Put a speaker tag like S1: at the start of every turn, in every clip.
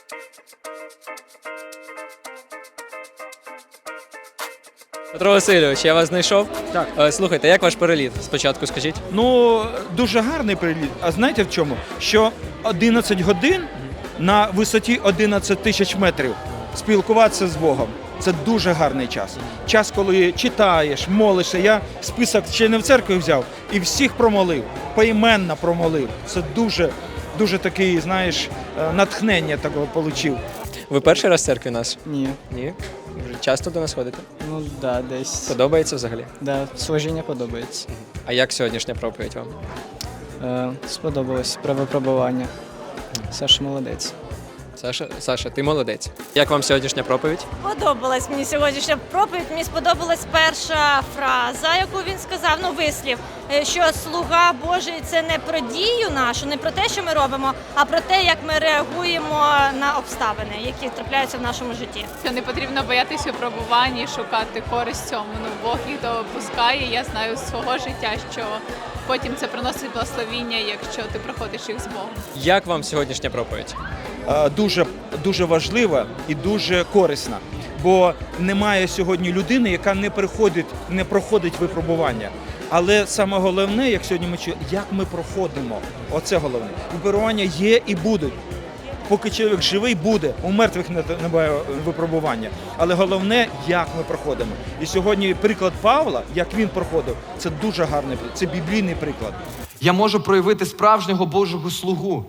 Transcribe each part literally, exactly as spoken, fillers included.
S1: Петро Васильович, я вас знайшов.
S2: Так.
S1: Е, Слухайте, як ваш переліт? Спочатку скажіть.
S2: Ну, дуже гарний приліт. А знаєте в чому? Що одинадцять годин на висоті одинадцять тисяч метрів спілкуватися з Богом. Це дуже гарний час. Час, коли читаєш, молишся. Я список ще не в церкві взяв і всіх промолив, поіменно промолив. Це дуже, дуже такий, знаєш, натхнення такого отримав.
S1: Ви перший раз в церкві нас?
S3: Ні.
S1: Ні. Вже часто до нас ходите?
S3: Ну да, десь.
S1: Подобається взагалі?
S3: Да, служіння подобається.
S1: А як сьогоднішня проповідь вам?
S3: Е, сподобалось про випробування. Саша молодець.
S1: Саша, Саша, ти молодець. Як вам сьогоднішня проповідь?
S4: Подобалась мені сьогоднішня проповідь. Мені сподобалась перша фраза, яку він сказав, ну вислів, е, що слуга Божий – це не про дію нашу, не про те, що ми робимо, а про те, як ми реагуємо на обставини, які трапляються в нашому житті.
S5: Що не потрібно боятися випробувань і шукати користь в цьому. Ну, Бог їх допускає. Я знаю з свого життя, що потім це приносить благословіння, якщо ти проходиш їх з Богом.
S1: Як вам сьогоднішня проповідь?
S2: Е, Дуже, дуже важлива і дуже корисна. Бо немає сьогодні людини, яка не приходить, не проходить випробування. Але саме головне, як сьогодні ми чуємо, як ми проходимо. Оце головне. Випробування є і будуть. Поки чоловік живий, буде. У мертвих не- немає випробування. Але головне, як ми проходимо. І сьогодні приклад Павла, як він проходив, це дуже гарний приклад. Це біблійний приклад.
S6: Я можу проявити справжнього Божого слугу.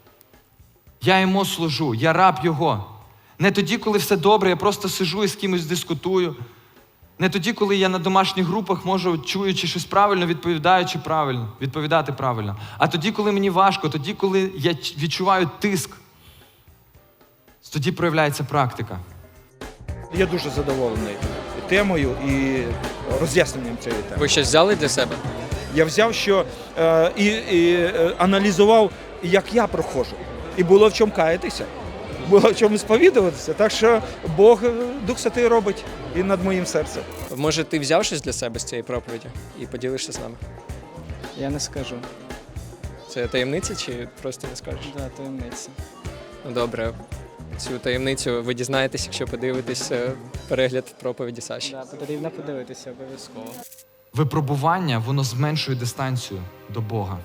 S6: Я йому служу, я раб його. Не тоді, коли все добре, я просто сижу і з кимось дискутую. Не тоді, коли я на домашніх групах можу, чуючи щось правильно, відповідаючи правильно, відповідати правильно. А тоді, коли мені важко, тоді, коли я ч- відчуваю тиск, тоді проявляється практика.
S2: Я дуже задоволений темою і роз'ясненням цієї теми.
S1: Ви щось взяли для себе?
S2: Я взяв, що е, і, і е, аналізував, як я проходжу. І було в чому каятися, було в чому сповідуватися. Так що Бог, е, Дух Святий робить і над моїм серцем.
S1: Може, ти взяв щось для себе з цієї проповіді і поділишся з нами?
S3: Я не скажу.
S1: Це таємниця чи просто не скажеш?
S3: Да, таємниця.
S1: Ну добре, цю таємницю ви дізнаєтесь, якщо подивитесь е, перегляд проповіді Саші.
S3: Да, потрібно подивитися обов'язково.
S6: Випробування, воно зменшує дистанцію до Бога.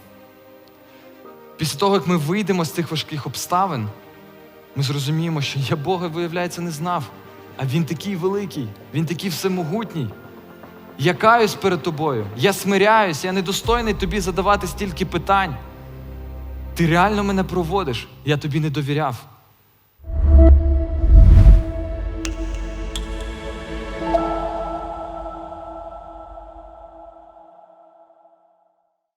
S6: Після того, як ми вийдемо з цих важких обставин, ми зрозуміємо, що я Бога, виявляється, не знав. А Він такий великий, Він такий всемогутній. Я каюсь перед тобою, я смиряюсь, я недостойний тобі задавати стільки питань. Ти реально мене проводиш, я тобі не довіряв.